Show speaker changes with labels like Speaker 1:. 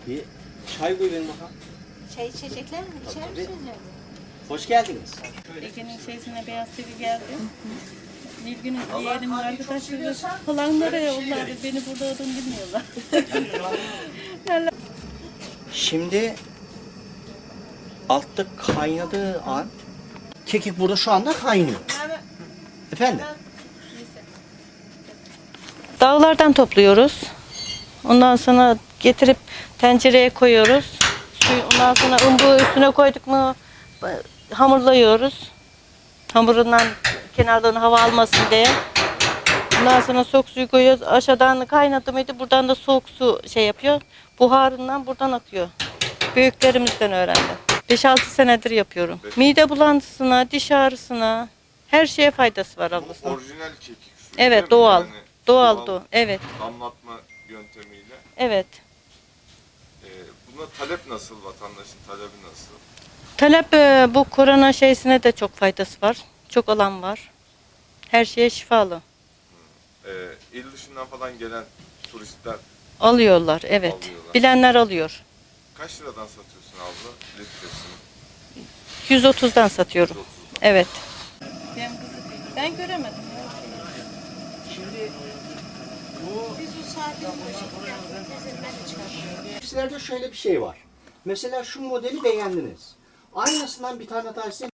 Speaker 1: Bir çay koy benim bakalım.
Speaker 2: Çay içecekler mi? İçer
Speaker 1: Tabii.
Speaker 2: misiniz yani?
Speaker 1: Hoş geldiniz.
Speaker 3: Ege'nin şeysine beyaz TV geldi. Nilgün'ün yeğenim arkadaşları falan nereye yollardı? Beni burada olduğunu bilmiyorlar.
Speaker 1: Şimdi altta kaynadığı an kekik burada şu anda kaynıyor. Efendim?
Speaker 3: Dağlardan topluyoruz. Ondan sonra getirip tencereye koyuyoruz. Ondan sonra umbu üstüne koyduk mu hamurlayıyoruz. Hamurundan kenardan hava almasın diye. Ondan sonra soğuk suyu koyuyoruz. Aşağıdan kaynadı mıydı buradan da soğuk su şey yapıyor. Buharından buradan akıyor. Büyüklerimizden öğrendim. 5-6 senedir yapıyorum. Mide bulantısına, diş ağrısına her şeye faydası var ablasının.
Speaker 4: Orijinal kekik suyu.
Speaker 3: Evet,
Speaker 4: değil mi?
Speaker 3: doğal.
Speaker 4: Yani
Speaker 3: Doğal. Evet.
Speaker 4: damlatma yöntemiyle.
Speaker 3: Evet.
Speaker 4: Buna talep nasıl? Vatandaşın talebi nasıl?
Speaker 3: Talep bu korona şeysine de çok faydası var. Çok alan var. Her şeye şifalı.
Speaker 4: İl dışından falan gelen turistler
Speaker 3: Alıyorlar, evet.
Speaker 4: Alıyorlar.
Speaker 3: Bilenler alıyor.
Speaker 4: kaç liradan satıyorsun abla litresini?
Speaker 3: 130'dan satıyorum.
Speaker 4: 130'dan.
Speaker 3: Evet. Ben göremedim.
Speaker 1: Şimdi bu
Speaker 2: Biz bu saatte bu şekilde yaptık. Ben de çıkartıyorum.
Speaker 1: Sizlerde şöyle bir şey var. Mesela şu modeli beğendiniz. Aynısından bir tane daha size